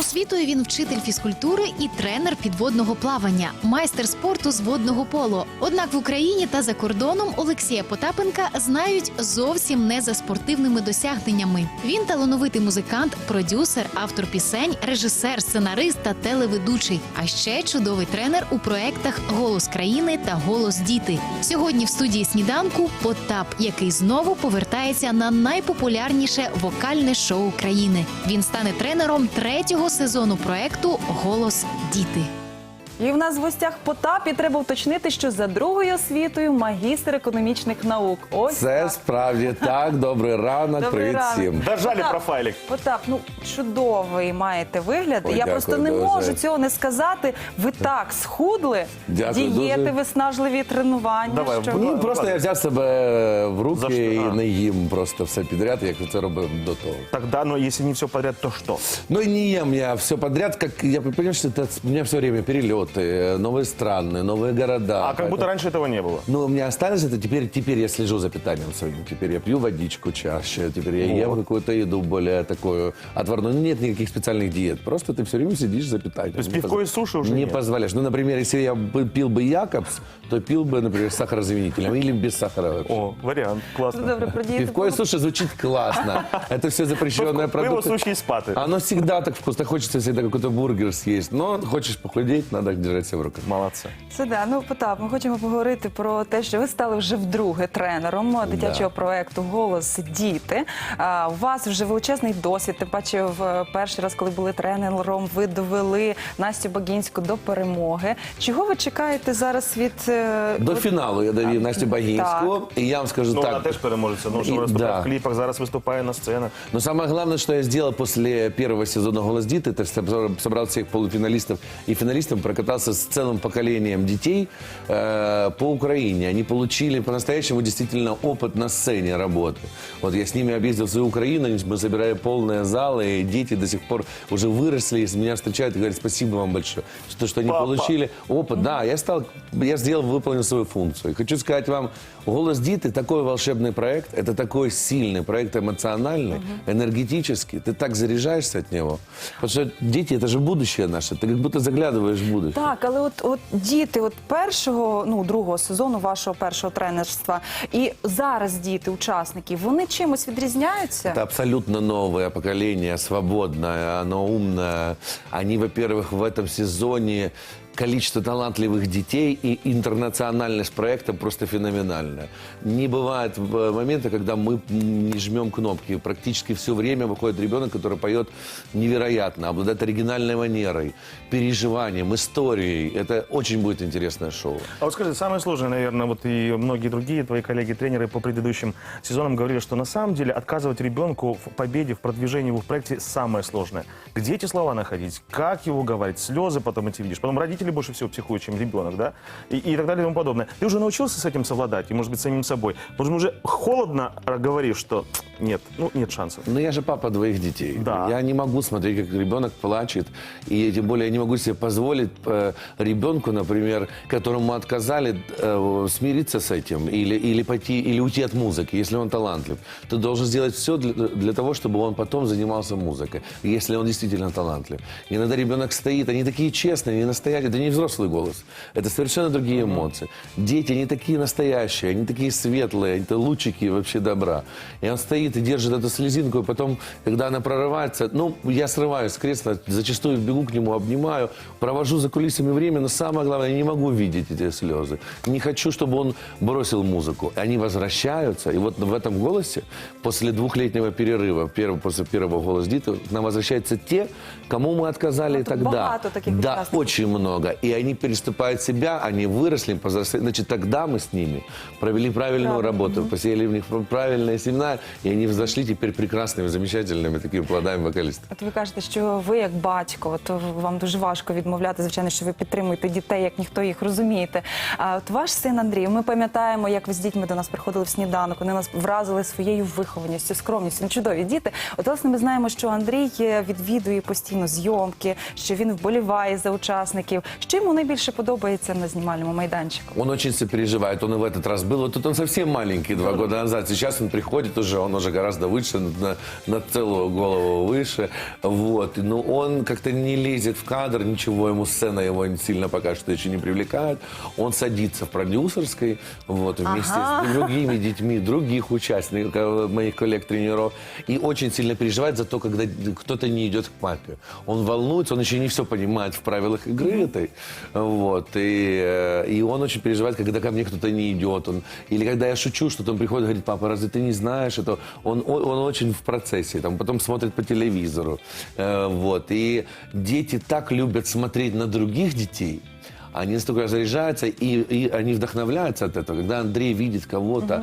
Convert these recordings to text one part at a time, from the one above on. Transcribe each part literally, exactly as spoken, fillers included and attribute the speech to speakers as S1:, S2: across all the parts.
S1: освітою він вчитель фізкультури і тренер підводного плавання, майстер спорту з водного поло. Однак в Україні та за кордоном Олексія Потапенка знають зовсім не за спортивними досягненнями. Він талановитий музикант, продюсер, автор пісень, режисер, сценарист та телеведучий. А ще чудовий тренер у проєктах «Голос країни» та «Голос діти». Сьогодні в студії «Сніданку» Потап, який знову повертається на найпопулярніше вокальне шоу країни. Він стане тренером третього сезону проєкту «Голос діти».
S2: І в нас в гостях Потап, і треба уточнити, що за другою освітою магістр економічних наук. Ось
S3: Це
S2: так.
S3: справді так. Добрий ранок,
S2: Добрий
S3: привіт
S2: ранок.
S3: всім.
S4: Дожали
S2: Потап,
S4: профайлик.
S2: Потап, ну чудовий маєте вигляд.
S3: Ой,
S2: Я
S3: дякую
S2: просто не
S3: дуже.
S2: можу цього не сказати. Ви так схудли,
S3: Дякую
S2: дієти,
S3: дуже.
S2: виснажливі тренування.
S4: Давай,
S2: що...
S4: будь
S3: Ні, просто я взяв себе в
S4: За
S3: руки
S4: що?
S3: і
S4: А.
S3: не їм просто все підряд, як це робив до того.
S4: Тогда, но если не все подряд, то что?
S3: Ну и не ем я все подряд, как я понимаю, что это у меня все время перелеты, новые страны, новые города.
S4: А как будто
S3: Поэтому-
S4: раньше этого не было.
S3: Ну, у меня осталось это, теперь, теперь я слежу за питанием своим. Теперь я пью водичку чаще, теперь я ем
S4: Вот.
S3: какую-то еду более такую отварную. Ну, нет никаких специальных диет, просто ты все время сидишь за питанием.
S4: То есть
S3: Не
S4: пивко
S3: поз-
S4: и суши уже
S3: Не
S4: нет?
S3: позволяешь. Ну, например, если я бы пил бы Якобс, то пил бы, например, с сахарозаменителем или без сахара вообще.
S4: О, вариант, классно.
S2: Добре, про дієти.
S3: Пивко и суши звучит классно. Это все запрещенные
S4: Пиво,
S3: продукты.
S4: суши и спаты.
S3: Оно всегда так вкусно. Хочется всегда какой-то бургер съесть. Но хочешь похудеть, надо держать себя в руках.
S4: Молодцы.
S2: Це да. Ну, Потап, ми хочемо поговорити про те, що ви стали вже вдруге тренером дитячого проєкту «Голос діти». А, у вас вже величезний досвід. Тим паче, в перший раз, коли були тренером, ви довели Настю Багінську до перемоги. Чого ви чекаєте зараз від... е,
S3: До
S2: от-
S3: фіналу я довів Настю Багінську. І я вам скажу
S4: Ну,
S3: так.
S4: она теж переможется. Ну, что
S3: И-
S4: выступает
S3: да.
S4: в клипах, зараз выступая на сценах.
S3: Но самое главное, что я сделал после первого сезона «Голос Диты», это собрал- собрал всех полуфиналистов и финалистов, прокатался с целым поколением детей э, по Украине. Они получили по-настоящему действительно опыт на сцене работы. Вот я с ними объездил всю Украину, мы собирали полные залы, и дети до сих пор уже выросли, и меня встречают и говорят: спасибо вам большое, что, что они
S4: Папа.
S3: получили опыт. Да, я стал, я сделал, выполнил свою функцию. И хочу сказать вам, «Голос Диты» такой волшебный проект, это такой сильный проект, эмоциональный, энергетический. Ты так заряжаешься от него. Потому что дети, это же будущее наше. Ты как будто заглядываешь в будущее.
S2: Так, але от, от діти от першого, ну, другого сезону вашого першого тренерства і зараз діти, учасники, вони чимось відрізняються?
S3: Это абсолютно новое поколение, свободное, оно умное. Они, во-первых, в этом сезоне количество талантливых детей и интернациональность проекта просто феноменальная. Не бывает э, момента, когда мы не жмем кнопки. Практически все время выходит ребенок, который поет невероятно, обладает оригинальной манерой, переживанием, историей. Это очень будет интересное шоу.
S4: А вот скажи, самое сложное, наверное, вот и многие другие твои коллеги-тренеры по предыдущим сезонам говорили, что на самом деле отказывать ребенку в победе, в продвижении его в проекте самое сложное. Где эти слова находить? Как его говорить? Слезы потом эти видишь. Потом родители больше всего психуют, чем ребенок, да? И, и так далее и тому подобное. Ты уже научился с этим совладать, и, может быть, самим собой? Может, уже холодно говоришь, что нет, ну, нет шансов.
S3: Но я же папа двоих детей.
S4: Да.
S3: Я не могу смотреть, как ребенок плачет. И тем более я не могу себе позволить э, ребенку, например, которому отказали, э, смириться с этим или, или пойти, или уйти от музыки, если он талантлив. Ты должен сделать все для, для того, чтобы он потом занимался музыкой, если он действительно талантлив. Иногда ребенок стоит, они такие честные, они настоящие. Это не взрослый голос. Это совершенно другие эмоции. Дети, они такие настоящие, они такие светлые, это лучики вообще добра. И он стоит и держит эту слезинку, и потом, когда она прорывается, ну, я срываюсь с кресла, зачастую бегу к нему, обнимаю, провожу за кулисами время, но самое главное, я не могу видеть эти слезы. Не хочу, чтобы он бросил музыку. Они возвращаются, и вот в этом голосе, после двухлетнего перерыва, первого, после первого «Голос Диты», к нам возвращаются те, кому мы отказали
S2: Ну, тут
S3: тогда.
S2: багато таких
S3: Да,
S2: участников.
S3: очень много. И они переступают себя, они выросли, повзрослели. Значит, тогда мы с ними провели правильную
S2: Правильно.
S3: работу, посеяли в них правильные семена, и они взошли теперь прекрасными, замечательными такими плодами вокалистов.
S2: От ви кажете, що ви як батько, от вам дуже важко відмовляти, звичайно, що ви підтримуєте дітей, як ніхто їх розумієте. А от ваш син Андрій, ми пам'ятаємо, як ви з дітьми до нас приходили в сніданок, вони нас вразили своєю вихованістю, скромністю. Ну, чудові діти. От, власне, ми знаємо, що Андрій відвідує постійно зйомки, що він вболіває за учасників. Що йому найбільше подобається на знімальному майданчику?
S3: Он очень сопереживает, он и в этот раз был. Вот тут он совсем маленький, два года назад. Сейчас он приходит уже, он уже гораздо выше, на, на целую голову выше. Вот. Но он как-то не лезет в кадр, ничего, ему сцена его сильно пока что еще не привлекает. Он садится в продюсерской, вот, вместе
S2: Ага.
S3: с другими детьми, других участников, моих коллег-тренеров. И очень сильно переживает за то, когда кто-то не идет к папе. Он волнуется, он еще не все понимает в правилах игры этой. Вот. И, э, и он очень переживает, когда ко мне кто-то не идет. Он, или когда я шучу, что-то он приходит и говорит: папа, разве ты не знаешь это? Он, он, он очень в процессе, там, потом смотрит по телевизору. Э, вот. И дети так любят смотреть на других детей. Они настолько заряжаются, и, и они вдохновляются от этого. Когда Андрей видит кого-то,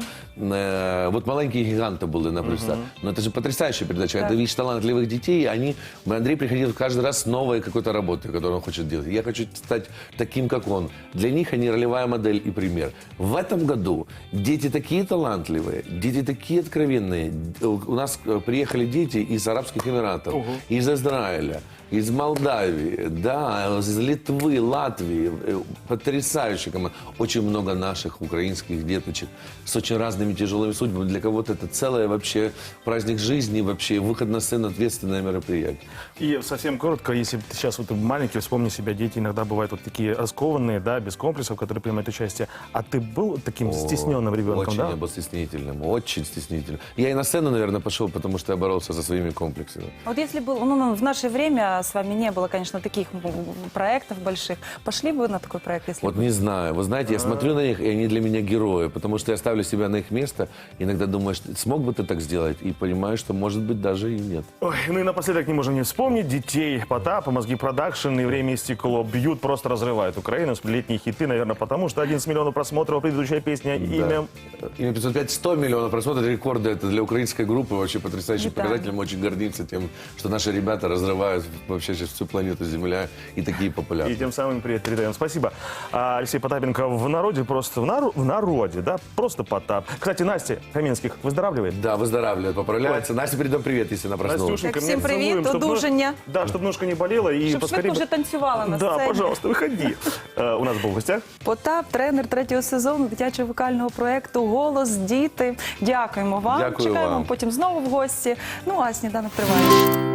S3: э, вот «Маленькие гиганты» были, например, но это же потрясающая передача. Когда видишь талантливых детей, они, Андрей приходил каждый раз с новой какой-то работой, которую он хочет делать. Я хочу стать таким, как он. Для них они ролевая модель и пример. В этом году дети такие талантливые, дети такие откровенные. У нас э, приехали дети из Арабских Эмиратов, из Израиля, из Молдавии, да, из Литвы, Латвии. Э, Потрясающая команда. Очень много наших украинских деточек с очень разными тяжелыми судьбами. Для кого-то это целое вообще праздник жизни, вообще выход на сцену, ответственное мероприятие.
S4: И совсем коротко, если ты сейчас вот маленький, вспомни себя, дети иногда бывают вот такие раскованные, да, без комплексов, которые принимают участие. А ты был таким стесненным ребенком,
S3: Очень
S4: да?
S3: я был стеснительным, очень стеснительным. Я и на сцену, наверное, пошел, потому что я боролся со своими комплексами.
S2: Вот если бы ну, ну, в наше время с вами не было, конечно, таких м, проектов больших, пошли бы вы на такой проект, если
S3: Вот
S2: бы?
S3: не знаю. Вы знаете, я смотрю на них, и они для меня герои, потому что я ставлю себя на их место, иногда думаешь, смог бы ты так сделать, и понимаю, что, может быть, даже и нет.
S4: Ой, ну и напоследок не можем не вспомнить детей Потапа, Мозги Продакшн и Время и стекло бьют, просто разрывают Украину. Летние хиты, наверное, потому что одиннадцать миллионов просмотров, предыдущая песня, имя...
S3: Имя пятьсот пять, сто миллионов просмотров, рекорды. Это для украинской группы вообще потрясающий
S2: Витаю.
S3: показатель. Мы очень гордимся тем, что наши ребята разрывают вообще сейчас всю планету Земля и такие
S4: И
S3: популярные.
S4: тем самым привет передаем. Спасибо. А, Алексей Потапенко в народе, просто в, нару- в народе, да, просто Потап. Кстати, Настя Каменских выздоравливает.
S3: Да, выздоравливает, поправляется. Настя, передам привет, если она проснулась.
S4: Настюшенька,
S2: Так, всем
S4: меня
S2: привет,
S4: целуем, чтоб нож-
S2: одужання.
S4: Да, чтобы ножка не болела. И
S2: Щоб
S4: поскорее
S2: швидко
S4: бы-
S2: вже танцювала на
S4: Да,
S2: сцені.
S4: пожалуйста, выходи. Э, У нас был в гостях.
S2: Потап, тренер третього сезону дитячого вокального проєкту «Голос діти». Дякуємо вам.
S3: Дякую
S2: Чекаємо
S3: вам.
S2: потім знову в гості. Ну а сніданок триває.